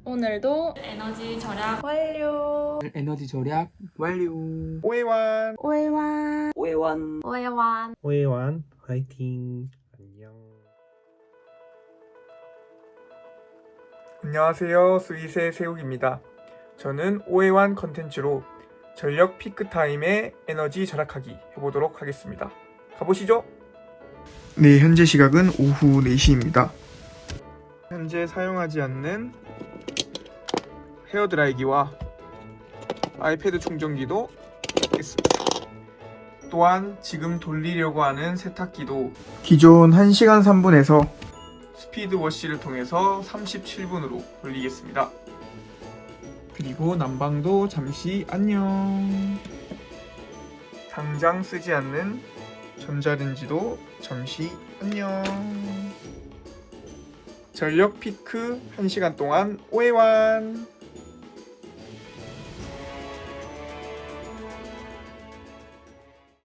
오늘도 에너지 절약 완료. 에너지 절약 완료. 오해완 오해완 오해완. 오해완. 오해완 화이팅. 안녕하세요, 스윗의 세욱입니다. 저는 오해완 컨텐츠로 전력 피크타임에 에너지 절약하기 해보도록 하겠습니다. 가보시죠. 네, 현재 시각은 오후 4시입니다. 현재 사용하지 않는 헤어드라이기와 아이패드 충전기도 있습니다. 또한 지금 돌리려고 하는 세탁기도 기존 1시간 3분에서 스피드 워시를 통해서 37분으로 돌리겠습니다. 그리고 난방도 잠시 안녕. 당장 쓰지 않는 전자레인지도 잠시 안녕. 전력 피크 1시간 동안 오해완.